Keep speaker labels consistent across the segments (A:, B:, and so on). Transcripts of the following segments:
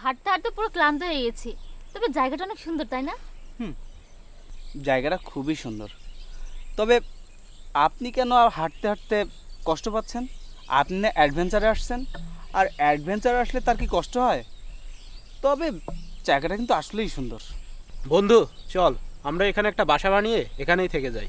A: হাঁটতে হাঁটতে পুরো ক্লান্ত হয়ে গেছি। তবে জায়গাটা অনেক সুন্দর, তাই না?
B: জায়গাটা খুবই সুন্দর। তবে আপনি কেন আর হাঁটতে হাঁটতে কষ্ট পাচ্ছেন? আপনি না অ্যাডভেঞ্চারে আসছেন, আর অ্যাডভেঞ্চারে আসলে তার কি কষ্ট হয়? তবে জায়গাটা কিন্তু আসলেই সুন্দর।
C: বন্ধু চল, আমরা এখানে একটা বাসা বানিয়ে এখানেই থেকে যাই।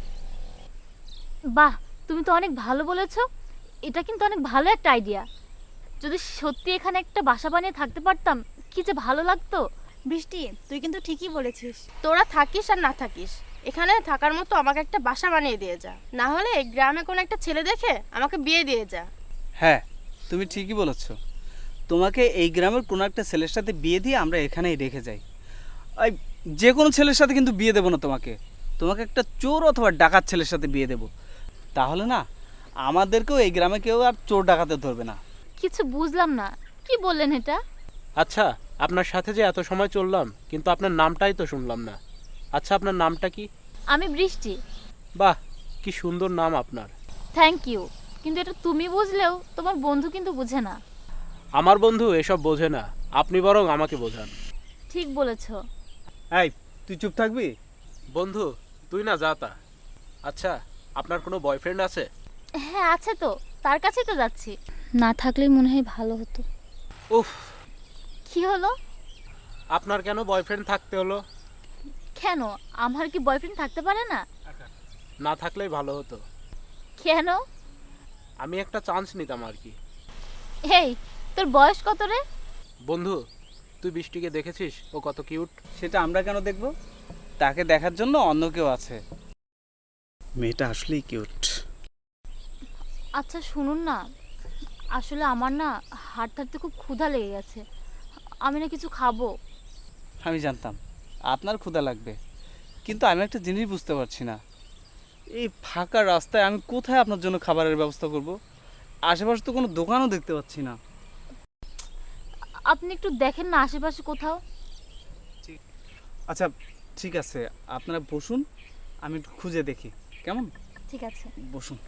A: বাহ, তুমি তো অনেক ভালো বলেছো। এটা কিন্তু অনেক ভালো একটা আইডিয়া। যদি সত্যি এখানে একটা বাসা বানিয়ে থাকতে পারতাম, কি যে ভালো লাগতো।
D: বৃষ্টি, তুই কিন্তু ঠিকই বলেছিস। তোরা থাকিস আর না থাকিস, এখানে থাকার মতো আমাকে একটা বাসা বানিয়ে দিয়ে যা, না হলে এই গ্রামে কোনো একটা ছেলে দেখে আমাকে বিয়ে দিয়ে যা।
B: হ্যাঁ, তুমি ঠিকই বলেছ। তোমাকে এই গ্রামের কোনো একটা ছেলের সাথে বিয়ে দিয়ে আমরা এখানেই রেখে যাই। এই যে কোনো ছেলের সাথে কিন্তু বিয়ে দেবো না তোমাকে। তোমাকে একটা চোর অথবা ডাকাত ছেলের সাথে বিয়ে দেবো। তাহলে না আমাদেরকেও এই গ্রামে কেউ আর চোর ডাকাতে ধরবে না।
A: কিছু বুঝলাম না, কি বললেন এটা?
C: আচ্ছা, আপনার সাথে যে এত সময় চললাম কিন্তু আপনার নামটাই তো শুনলাম না। আচ্ছা, আপনার নামটা কি?
A: আমি বৃষ্টি।
C: বাহ, কি সুন্দর নাম আপনার।
A: Thank you. কিন্তু এটা তুমি বুঝলেও তোমার বন্ধু কিন্তু বুঝে না।
C: আমার বন্ধু এসব বোঝে না, আপনি বরং আমাকে বোঝান।
A: ঠিক বলেছো।
B: এই, তুই চুপ থাকবি?
C: বন্ধু তুই না যা তা। আচ্ছা, আপনার কোনো বয়ফ্রেন্ড আছে?
A: হ্যাঁ আছে তো, তার কাছেই তো যাচ্ছি। না থাকলেই মনে হয় ভালো হতো।
C: উফ,
A: কি হলো?
C: আপনার কেন বয়ফ্রেন্ড থাকতে হলো?
A: কেন, আমার কি বয়ফ্রেন্ড থাকতে পারে না?
C: না থাকলেই ভালো হতো।
A: কেন?
C: আমি একটা চান্স নিতাম আর কি।
A: এই, তোর বয়স কত রে?
C: বন্ধু, তুই বৃষ্টিকে দেখেছিস? ও কত কিউট।
B: সেটা আমরা কেন দেখব? তাকে দেখার জন্য অন্য কেউ আছে। মেয়েটা আসলেই কিউট।
A: আচ্ছা শুনুন না, আসলে আমার না হাঁটতে হাঁটতে খুব ক্ষুধা লেগে গেছে। আমি না কিছু খাবো।
B: আমি জানতাম আপনার ক্ষুধা লাগবে, কিন্তু আমি একটা জিনিস বুঝতে পারছি না। এই ফাঁকা রাস্তায় আমি কোথায় আপনার জন্য খাবারের ব্যবস্থা করব? আশেপাশে তো কোনো দোকানও দেখতে পাচ্ছি না।
A: আপনি একটু দেখেন না আশেপাশে কোথাও।
B: আচ্ছা ঠিক আছে, আপনারা বসুন, আমি একটু খুঁজে দেখি। কেমন?
A: ঠিক আছে।
B: বসুন।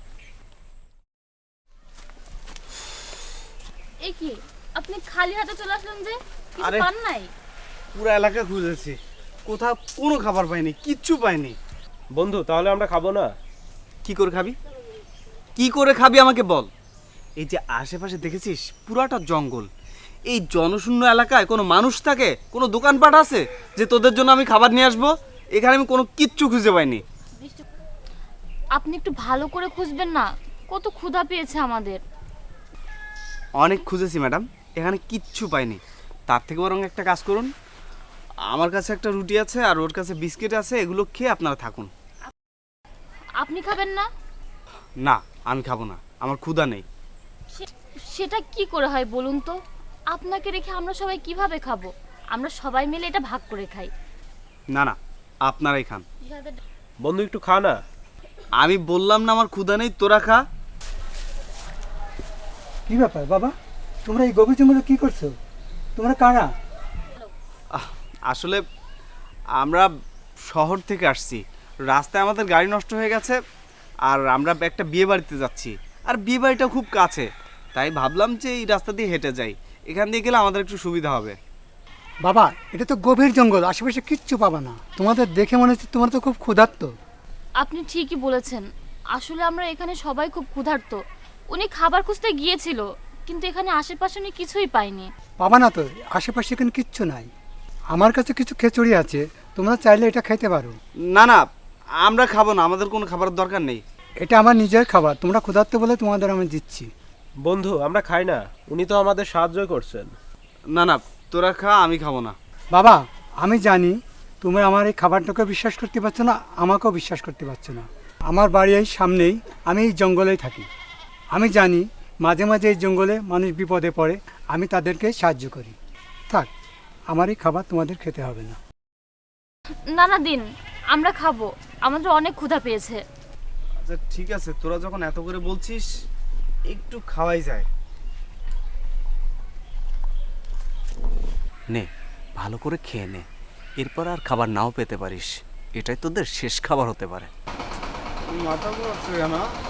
A: এই কি, আপনি খালি হাতে চলে আসলেন যে? কিছু
B: আরে,
A: পান নাই?
B: পুরো এলাকা খুঁজেছি, কোথাও কোনো খাবার পাইনি, কিচ্ছু পাইনি।
C: বন্ধু তাহলে আমরা খাবো না?
B: কি করে খাবি? কি করে খাবি আমাকে বল। এই যে আশেপাশে দেখেছিস পুরাটা জঙ্গল, এই জনশূন্য এলাকায় কোনো মানুষ থাকে, কোনো দোকানপাট আছে যে তোদের জন্য আমি খাবার নিয়ে আসবো? এখানে আমি কোনো কিচ্ছু খুঁজে পাইনি।
A: আপনি একটু ভালো করে খুঁজবেন না, কত ক্ষুধা পেয়েছে আমাদের।
B: অনেক খুঁজেছি ম্যাডাম, এখানে কিচ্ছু পাইনি। তার থেকে বরং একটা কাজ করুন, আমার কাছে একটা রুটি আছে আর ওর কাছে বিস্কিট আছে, এগুলো খেয়ে আপনারা থাকুন।
A: আপনি খাবেন না?
B: না, আমি খাবো না, আমার ক্ষুধা নেই।
A: সেটা কি করে হয় বলুন তো? আপনাকে রেখে আমরা সবাই কিভাবে খাবো? আমরা সবাই মিলে এটা ভাগ করে খাই।
B: না না, আপনারাই খান।
C: বন্ধু একটু খা না।
B: আমি বললাম না আমার ক্ষুধা নেই, তোরা খা।
E: কি ব্যাপার বাবা, তোমরা এই গভীর জঙ্গলে কি করছো? তোমরা কারা?
B: আসলে আমরা শহর থেকে আসছি, রাস্তায় আমাদের গাড়ি নষ্ট হয়ে গেছে, আর আমরা একটা বিয়ে বাড়িতে যাচ্ছি, আর বিয়ে বাড়িটা খুব কাছে, তাই ভাবলাম যে এই রাস্তা দিয়ে হেঁটে যাই, এখান দিয়ে গেলে আমাদের একটু সুবিধা হবে।
E: বাবা, এটা তো গভীর জঙ্গল, আশেপাশে কিচ্ছু পাবা না। তোমাদের দেখে মনে হচ্ছে তোমরা তো খুব ক্ষুধার্ত।
A: আপনি ঠিকই বলেছেন, আসলে আমরা এখানে সবাই খুব ক্ষুধার্ত। উনি খাবার খুঁজতে গিয়েছিল, কিন্তু এখানে আশেপাশে উনি কিছুই পাইনি।
E: পাবা না তো, আশেপাশে এখানে কিচ্ছু নাই। আমার কাছে কিছু খিচুড়ি আছে, তোমরা চাইলে এটা খেতে পারো।
B: না না, আমরা খাবো না, আমাদের কোনো খাবারের দরকার নেই।
E: এটা আমার নিজের খাবার, তোমরা ক্ষুধার্ত বলে তোমাদের আমি দিচ্ছি।
C: বন্ধু আমরা খাই না, উনি তো আমাদের সাহায্যই করছেন।
B: না না, তোরা খা, আমি খাবো না।
E: বাবা, আমি জানি তুমি আমার এই খাবারটাকে বিশ্বাস করতে পারছো না, আমাকেও বিশ্বাস করতে পারছো না। আমার বাড়ি এই সামনেই, আমি এই জঙ্গলেই থাকি। আমি জানি মাঝে মাঝে এই জঙ্গলে মানুষ বিপদে পড়ে, আমি তাদেরকে সাহায্য করি। থাক, আমার এই খাবার তোমাদের খেতে হবে না।
A: না না দিন, আমরা খাবো, আমাদের অনেক ক্ষুধা পেয়েছে।
B: আচ্ছা ঠিক আছে, তোরা যখন এত করে বলছিস একটু খাওয়াই যায়। নে, ভালো করে খেয়ে নে, এরপর আর খাবার নাও পেতে পারিস, এটাই তোদের শেষ খাবার হতে পারে। মাথা ঘুরাচ্ছে না?